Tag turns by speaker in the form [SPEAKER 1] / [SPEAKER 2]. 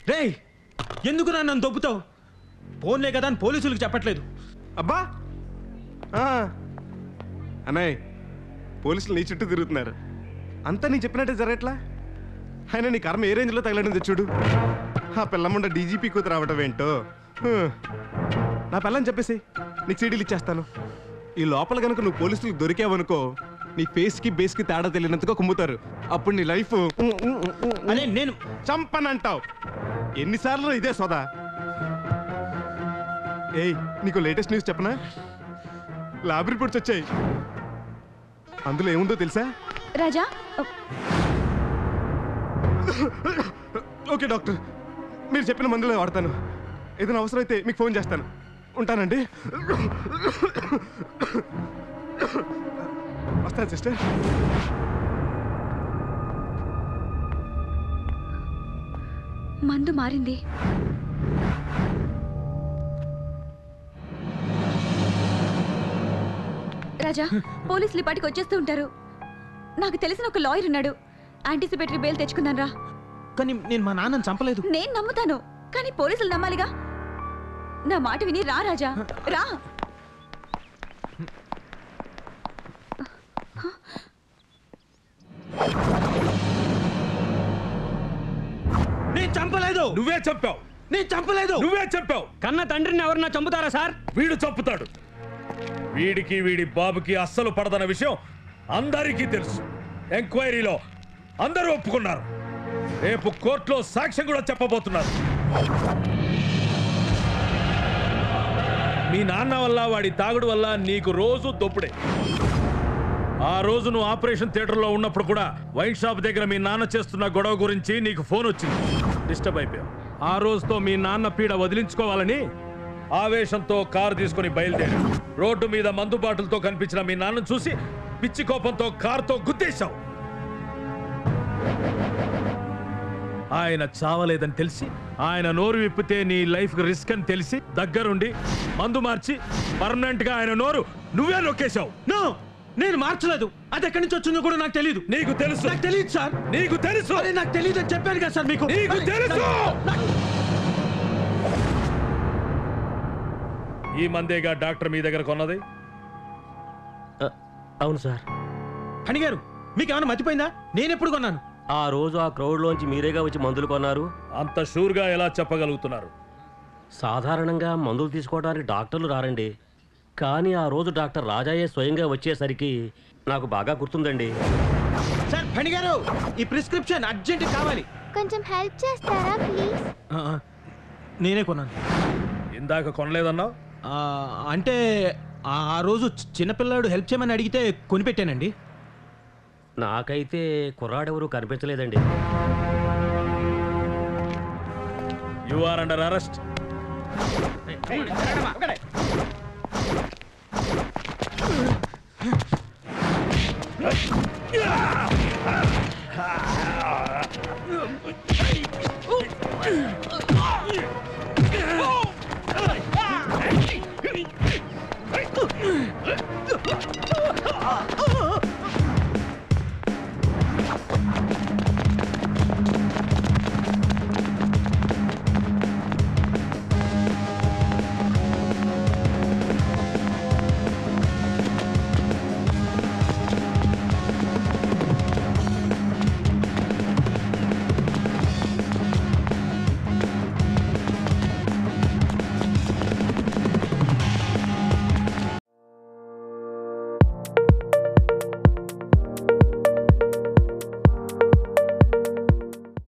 [SPEAKER 1] రేయ్, ఎందుకు నన్ను దొబ్బుతావు? ఫోన్లే కదా అని పోలీసులకు చెప్పట్లేదు.
[SPEAKER 2] అబ్బా అన్నయ్య, పోలీసులు నీ చుట్టూ తిరుగుతున్నారు. అంతా నీ చెప్పినట్టే జరగట్లా? అయినా నీ కర్మ ఏ రేంజ్లో తగలడింది చూడు. ఆ పిల్లముండ డీజీపీ కూతురు రావటం ఏంటో. నా పిల్లని చెప్పేసి నీకు సీడీలు ఇచ్చేస్తాను. ఈ లోపల కనుక నువ్వు పోలీసులకు దొరికావనుకో, నీ ఫేస్కి బేస్కి తేడా తెలియనంతగా కుమ్ముతారు. అప్పుడు నీ లైఫ్
[SPEAKER 1] అదే నేను
[SPEAKER 2] చంపనంటావు. ఎన్నిసార్లు ఇదే సోదా. ఏయ్, నీకు లేటెస్ట్ న్యూస్ చెప్పనా? ల్యాబ్ రిపోర్ట్స్ వచ్చాయి. అందులో ఏముందో తెలుసా?
[SPEAKER 3] రాజా,
[SPEAKER 2] ఓకే డాక్టర్, మీరు చెప్పిన మందులే వాడతాను. ఏదైనా అవసరం అయితే మీకు ఫోన్ చేస్తాను. ఉంటానండి. వస్తాను సిస్టర్.
[SPEAKER 3] మందు మారింది. రాజా, పోలీసులు ఇప్పటికి వచ్చేస్తూ ఉంటారు. నాకు తెలిసిన ఒక లాయర్ ఉన్నాడు. యాంటిసిపేటరీ బెయిల్ తెచ్చుకున్నాను రా.
[SPEAKER 1] కానీ నేను మా నాన్నని చంపలేదు.
[SPEAKER 3] నేను నమ్ముతాను, కానీ పోలీసులు నమ్మాలిగా. నా మాట విని రా రాజా, రా.
[SPEAKER 1] నేను చంపలేదు.
[SPEAKER 4] నువ్వే చెప్పావు.
[SPEAKER 1] నేను చంపలేదు.
[SPEAKER 4] నువ్వే చెప్పావు.
[SPEAKER 1] కన్న తండ్రిని ఎవరన్నా చంపుతారా సార్?
[SPEAKER 4] వీడు చంపుతాడు. వీడికి వీడి బాబుకి అస్సలు పడదన్న విషయం అందరికీ తెలుసు. ఎంక్వైరీలో అందరూ ఒప్పుకున్నారు. రేపు కోర్టులో సాక్ష్యం కూడా చెప్పబోతున్నారు. మీ నాన్న వల్ల, వాడి తాగుడు వల్ల నీకు రోజు దొప్పుడే. ఆ రోజు నువ్వు ఆపరేషన్ థియేటర్లో ఉన్నప్పుడు కూడా వైన్ షాప్ దగ్గర మీ నాన్న చేస్తున్న గొడవ గురించి నీకు ఫోన్ వచ్చింది. డిస్టర్బ్ అయిపోయావు. ఆ రోజుతో మీ నాన్న పీడ వదిలించుకోవాలని ఆవేశంతో కారు తీసుకుని బయలుదేరావు. రోడ్డు మీద మందు బాటిల్తో కనిపించిన మీ నాన్నను చూసి పిచ్చి కోపంతో కారుతో గుద్దేశావు. ఆయన చావలేదని తెలిసి, ఆయన నోరు విప్పితే నీ లైఫ్ రిస్క్ అని తెలిసి దగ్గరుండి మందు మార్చి పర్మనెంట్ గా ఆయన నోరు నువ్వే నొక్కేశావు.
[SPEAKER 1] నో, నేను మార్చలేదు. అది ఎక్కడి నుంచి వచ్చిందో కూడా నాకు తెలియదు.
[SPEAKER 4] నీకు తెలుసు.
[SPEAKER 1] నాకు తెలియదు సార్.
[SPEAKER 4] నీకు తెలుసు.
[SPEAKER 1] అరే నాకు తెలియదు అని చెప్పాను కదా సార్ మీకు.
[SPEAKER 4] నీకు తెలుసు. ఈ మందేగా డాక్టర్ మీ దగ్గర కొన్నది?
[SPEAKER 5] అవును సార్.
[SPEAKER 1] హని గారు, మీకేమైనా మర్చిపోయిందా? నేను ఎప్పుడు కొన్నాను?
[SPEAKER 5] ఆ రోజు ఆ క్రౌడ్ లోంచి మీరేగా వచ్చి మందులు కొన్నారు.
[SPEAKER 4] అంత షూర్ గా ఎలా చెప్పగలుగుతున్నారు?
[SPEAKER 5] సాధారణంగా మందులు తీసుకోవడానికి డాక్టర్లు రారండి. కానీ ఆ రోజు డాక్టర్ రాజాయే స్వయంగా వచ్చేసరికి నాకు బాగా గుర్తుందండి.
[SPEAKER 1] సార్, హని గారు, ఈ ప్రిస్క్రిప్షన్ అర్జెంట్ కావాలి.
[SPEAKER 6] కొంచెం హెల్ప్ చేస్తారా ప్లీజ్?
[SPEAKER 1] నేనే కొన్నాను.
[SPEAKER 4] ఇందాక కొనలేదన్నావు?
[SPEAKER 1] అంటే ఆ రోజు చిన్నపిల్లాడు హెల్ప్ చేయమని అడిగితే కొనిపెట్టానండి.
[SPEAKER 5] నాకైతే కుర్రాడెవరూ కనిపించలేదండి.
[SPEAKER 4] You are under arrest.